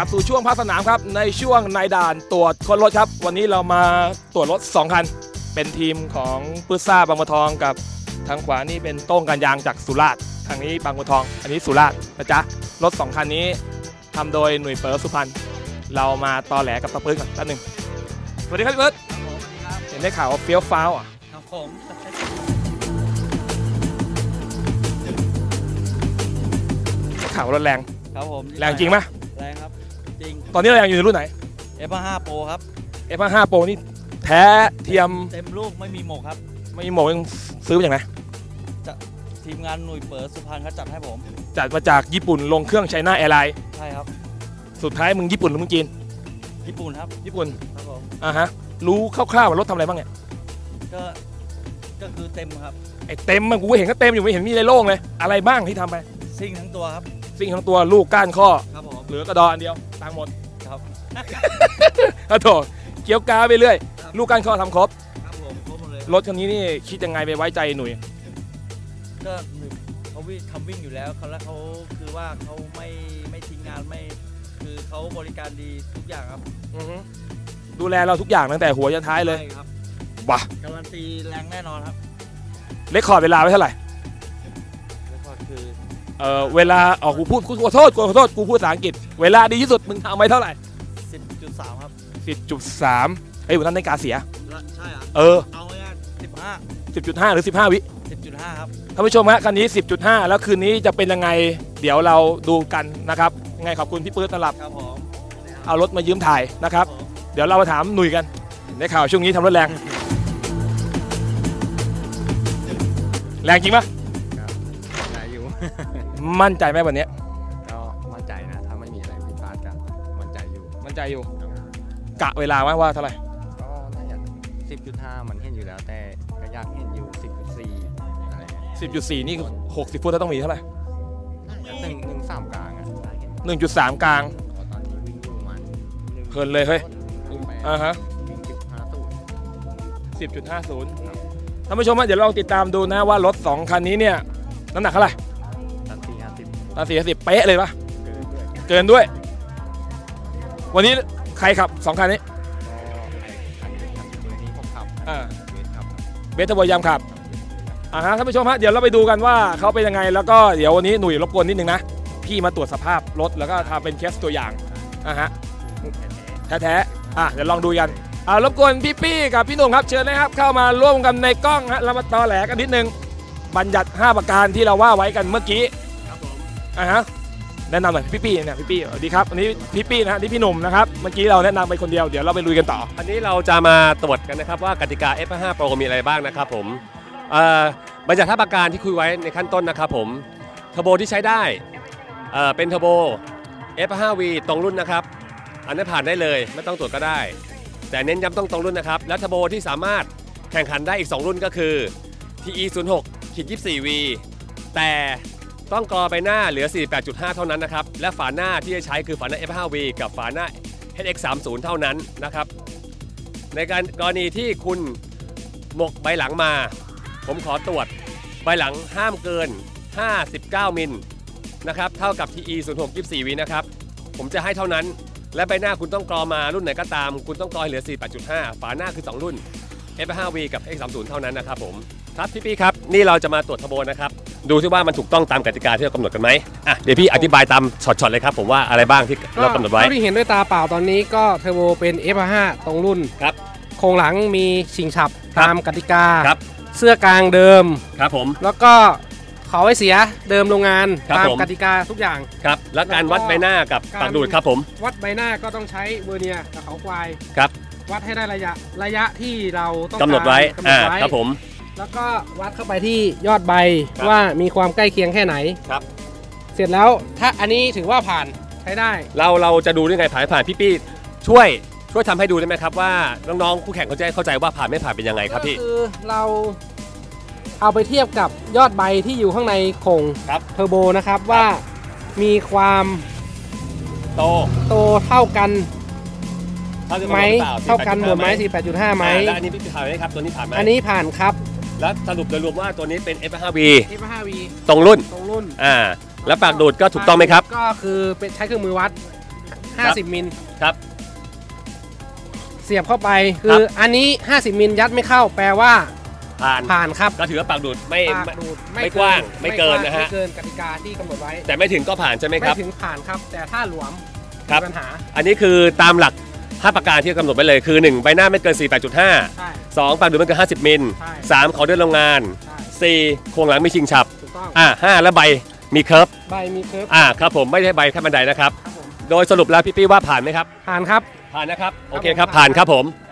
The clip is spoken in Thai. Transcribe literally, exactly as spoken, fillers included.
ลับสู่ช่วงพักสนามครับในช่วงนายด่านตรวจค้นรถครับวันนี้เรามาตรวจรถสองคันเป็นทีมของปื้ซ่าบางบัวทองกับทางขวานี่เป็นโต้งกันยางจากสุราษฎร์ทางนี้บางบัวทองอันนี้สุราษฎร์นะจ๊ะรถสองคันนี้ทำโดยหน่วยเปิร์สุพรรณเรามาตอแหลกับตะปื้ก่อนแป๊บนึงสวัสดีครับพี่เบิร์ดเห็นได้ข่าวว่าเฟี้ยวฟ้าวอ่ะครับผมข่าวรถแรงครับผมแรงจริงไหมแรงครับจริงตอนนี้เรายังอยู่ในรุ่นไหนเอฟ ห้า Pro ครับเอฟ ห้า Pro นี่แท้เทียมเต็มลูกไม่มีหมกครับไม่มีหมกยังซื้อมาจากไหนจะทีมงานหน่วยเปิดสุพรรณเขาจัดให้ผมจัดมาจากญี่ปุ่นลงเครื่องไชน่าแอร์ไลน์ใช่ครับสุดท้ายมึงญี่ปุ่นหรือมึงจีนญี่ปุ่นครับญี่ปุ่นครับผมอ่าฮะรู้คร่าวๆว่ารถทำอะไรบ้างเนี่ยก็ก็คือเต็มครับไอเต็มมันกูเห็นก็เต็มอยู่ไม่เห็นมีอะไรโล่งเลยอะไรบ้างที่ทำไปซิ่งทั้งตัวครับซิ่งทั้งตัวลูกก้านข้อครับผมเหลือกระดออันเดียวตังหมดครับอะโถเกี่ยวกาไปเรื่อยลูกก้านข้อทำครบครับผมครบหมดเลยรถคันนี้นี่คิดยังไงไปไว้ใจหนุ่ยก็เขาวิ่งทำวิ่งอยู่แล้วเขาแล้วเขาคือว่าเขาไม่ไม่ทิ้งงานไม่คือเขาบริการดีทุกอย่างครับดูแลเราทุกอย่างตั้งแต่หัวจนท้ายเลยครับว้าการันตีแรงแน่นอนครับเลคคอร์ดเวลาไว้เท่าไหร่เลคคอร์ดคือเออเวลาอ๋อกูพูดกูขอโทษกูขอโทษกูพูดภาษาอังกฤษเวลาดีที่สุดมึงทำไว้เท่าไหร่สิบจุดสาม ครับสิบจุดสาม เฮ้ยวันนั้นในกาเสียใช่เหรอเออเอาไว้สิบห้าสิบจุดห้า หรือสิบห้าวิสิบจุดห้า ครับท่านผู้ชมฮะคันนี้ สิบจุดห้า แล้วคืนนี้จะเป็นยังไงเดี๋ยวเราดูกันนะครับยังไงขอบคุณพี่ปื๊ดสำหรับครับผมเอารถมายืมถ่ายนะครับเดี๋ยวเรามาถามหนุ่ยกันได้ข่าวช่วงนี้ทำรถแรงแรงจริงปะใช่อยู่มั่นใจไหมวันนี้ก็มั่นใจนะถ้าไม่มีอะไรผิดพลาดก็มั่นใจอยู่มั่นใจอยู่กะเวลาว่าเท่าไหร่ก็น่าจะ สิบจุดห้า มันเห็นอยู่แล้วแต่ก็อยากเห็นอยู่ สิบจุดสี่ อะไรเงี้ยสิบจุดสี่ นี่หกสิบฟุตแล้วต้องมีเท่าไหร่หนึ่ง หนึ่ง สาม กลางอ่ะหนึ่งจุดสาม กลางตอนนี้วิ่งอยู่มันเพลินเลยเฮ้ยอ่าฮะสิบจุดห้าศูนย์ท่านผู้ชมเดี๋ยวลองติดตามดูนะว่ารถสองคันนี้เนี่ยน้ำหนักเท่าไหร่ตันสี่ห้าสิบตันสี่ห้าสิบเป๊ะเลยปะเกินด้วยวันนี้ใครขับสองคันนี้อ่าเบสทบอยามขับอ่าฮะท่านผู้ชมฮะเดี๋ยวเราไปดูกันว่าเขาเป็นยังไงแล้วก็เดี๋ยววันนี้หนุ่ยรบกวนนิดนึงนะพี่มาตรวจสภาพรถแล้วก็ทำเป็นเคสตัวอย่างอ่าฮะแท้ๆอ่ะเดี๋ยวลองดูกันอ่ารบกวนพี่ปี้กับพี่หนุ่มครับเชิญเลยครับเข้ามาร่วมกันในกล้องฮะเรามาตอแหลกันนิดนึงบัญญัติห้าประการที่เราว่าไว้กันเมื่อกี้ครับผมอ่าฮะแนะนำหน่อยพี่ปี้เนี่ยพี่ปี้สวัสดีครับอันนี้พี่ปี้นะนี่พี่หนุ่มนะครับเมื่อกี้เราแนะนำไปคนเดียวเดี๋ยวเราไปลุยกันต่ออันนี้เราจะมาตรวจกันนะครับว่ากติกา เอฟ ห้า Pro มีอะไรบ้างนะครับผมอ่าบัญญัติห้าประการที่คุยไว้ในขั้นต้นนะครับผมเทอร์โบที่ใช้ได้เอ่อเป็นเทอร์โบ เอฟ ห้า วี ตรงรุ่นนะครับอันนี้ผ่านได้เลยไม่ต้องตรวจก็ได้แต่เน้นย้ำต้องตรงรุ่นนะครับและเทอร์โบที่สามารถแข่งขันได้อีกสองรุ่นก็คือ ที อี ศูนย์หก ยี่สิบสี่ วี แต่ต้องกรอใบหน้าเหลือ สี่สิบแปดจุดห้า เท่านั้นนะครับและฝาหน้าที่จะใช้คือฝาหน้า เอฟ ห้า วี กับฝาหน้า เอช เอ็กซ์ สามสิบ เท่านั้นนะครับในการกรณีที่คุณหมกใบหลังมาผมขอตรวจใบหลังห้ามเกินห้าสิบเก้ามิลนะครับเท่ากับ ที อี ศูนย์หก ยี่สิบสี่ วีนะครับผมจะให้เท่านั้นและใบหน้าคุณต้องกรอมารุ่นไหนก็ตามคุณต้องกรอเหลือ สี่สิบแปดจุดห้า ฝาหน้าคือสองรุ่น เอฟ ห้า วี กับ เอ็กซ์ สามสิบ เท่านั้นนะครับผมครับพี่พี่ครับนี่เราจะมาตรวจเทอร์โบนะครับดูที่ว่ามันถูกต้องตามกติกาที่เรากำหนดกันไหมอ่ะเดี๋ยวพี่อธิบายตามช็อตๆเลยครับผมว่าอะไรบ้างที่เรากำหนดไว้ที่เห็นด้วยตาเปล่าตอนนี้ก็เทอร์โบเป็น เอฟ ห้า ตรงรุ่นครับโครงหลังมีชิงฉับตามกติกาครับเสื้อกลางเดิมครับผมแล้วก็ขอไว้เสียเดิมโรงงานตามกติกาทุกอย่างครับแล้วการวัดใบหน้ากับปากดูดครับผมวัดใบหน้าก็ต้องใช้เวอร์เนียร์กับเขาควายครับวัดให้ได้ระยะระยะที่เราต้องกำหนดไว้อ่าครับผมแล้วก็วัดเข้าไปที่ยอดใบว่ามีความใกล้เคียงแค่ไหนครับเสร็จแล้วถ้าอันนี้ถือว่าผ่านใช้ได้เราเราจะดูได้ไงผ่านผ่านพี่ปี้ช่วยช่วยทำให้ดูได้ไหมครับว่าน้องๆคู่แข่งเขาจะเข้าใจว่าผ่านไม่ผ่านเป็นยังไงครับพี่ก็คือเราเอาไปเทียบกับยอดใบที่อยู่ข้างในโครงเทอร์โบนะครับว่ามีความโตโตเท่ากันไหมเท่ากันหมดไหม สี่สิบแปดจุดห้า ไหมแล้วอันนี้พี่ผ่านไหมครับตัวนี้ผ่านไหมอันนี้ผ่านครับแล้วสรุปโดยรวมว่าตัวนี้เป็น เอฟ ห้า วีเอฟ ห้า วีตรงรุ่นตรงรุ่นอ่าแล้วปากดูดก็ถูกต้องไหมครับก็คือเป็นใช้เครื่องมือวัดห้าสิบมิลครับเสียบเข้าไปคืครัอบ อันนี้ห้าสิบมิลยัดไม่เข้าแปลว่าผ่านผ่านครับก็ถือว่าปากดูดไม่ปากไม่ดูดไม่กว้างไม่เกินนะฮะไม่เกินกติกาที่กำหนดไว้แต่ไม่ถึงก็ผ่านใช่ไหมครับไม่ถึงผ่านครับ แต่ถ้าหลวมครับมีปัญหาอันนี้คือตามหลักห้าประการที่กำหนดไว้เลยคือหนึ่งใบหน้าไม่เกิน สี่สิบแปดจุดห้าใช่สองปากดูดไม่เกินห้าสิบมิลใช่สามขอเดินโรงงานใช่สี่โครงหลังไม่ชิงฉับถูกต้องอ่าห้าแล้วใบมีเคิร์ฟใบมีเคิร์ฟอ่าครับผมไม่ใช่ใบขั้นบันไดนะครับครับผมโดยสรุปแล้วพี่ปี้ว่าผ่านไหมครับผ่านครับผ่านนะครับ โอเคผมครับ ผ่านครับผมค